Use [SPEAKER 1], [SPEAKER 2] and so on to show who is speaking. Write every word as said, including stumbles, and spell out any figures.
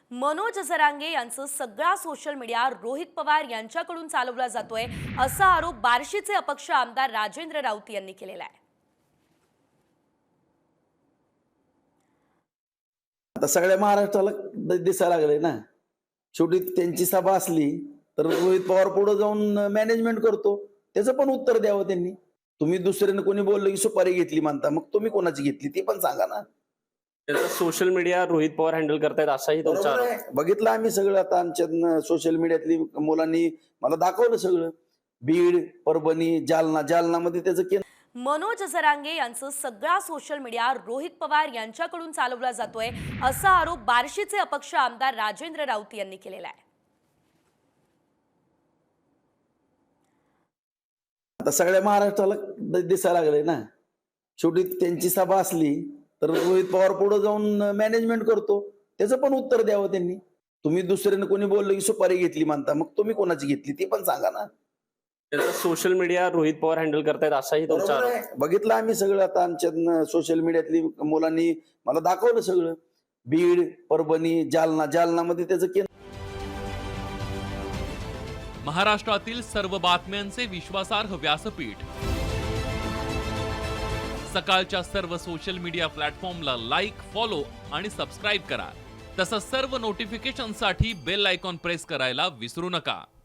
[SPEAKER 1] मनोज जरांगे यांचं सगळा social media Rohit Pawar यांच्याकडून चालवला जातोय असा आरोप बार्शीचे अपक्ष आमदार राजेंद्र राऊत यांनी केलेला आहे।
[SPEAKER 2] आता सगळ्या महाराष्ट्राला दिसायला लागले ना, शेवटी त्यांची सभा असली तर रोहित पवार पुढे जाऊन मॅनेजमेंट करतो, त्याचं पण उत्तर द्यावं त्यांनी। तुम्ही दुसऱ्याने कोणी बोललं की सुपारी घेतली म्हणता, मग तुम्ही कोणाची घेतली ते पण सांगा ना।
[SPEAKER 3] त्याचा social media Rohit Pawar handle करतायत असाही तुमचा आरोप आहे।
[SPEAKER 2] बघितलं आम्ही सगळं, आता आमच्या सोशल मीडियातली मुलांनी मला दाखवलं सगळं, बीड, परभणी, जालना, जालनामध्ये त्याचं केंद्र।
[SPEAKER 1] मनोज जरांगे यांचं सगळा सोशल मीडिया रोहित पवार यांच्याकडून चालवला जातोय असा आरोप बार्शीचे अपक्ष आमदार राजेंद्र राऊत यांनी केलेला आहे।
[SPEAKER 2] आता सगळ्या महाराष्ट्राला दिसायला लागले ना, शेवटी त्यांची सभा असली तर रोहित पवार पुढे जाऊन मॅनेजमेंट करतो, त्याचं पण उत्तर द्यावं त्यांनी। तुम्ही दुसऱ्याने कोणी बोललं की सुपारी घेतली म्हणता, मग तुम्ही कोणाची घेतली ते पण सांगा ना।
[SPEAKER 3] त्याचा social media Rohit Pawar handle करतायत असाही तुमचा आरोप आहे।
[SPEAKER 2] बघितलं आम्ही सगळं, आता आमच्या सोशल मीडियातली मुलांनी मला दाखवलं सगळं, बीड, परभणी, जालना, जालनामध्ये त्याचं केंद्र।
[SPEAKER 4] महाराष्ट्रातील सर्व बातम्यांचे विश्वासार्ह व्यासपीठ, सकाळच्या सर्व सोशल मीडिया प्लॅटफॉर्मला लाईक, फॉलो आणि सबस्क्राईब करा। तसंच सर्व नोटिफिकेशनसाठी बेल आयकॉन प्रेस करायला विसरू नका।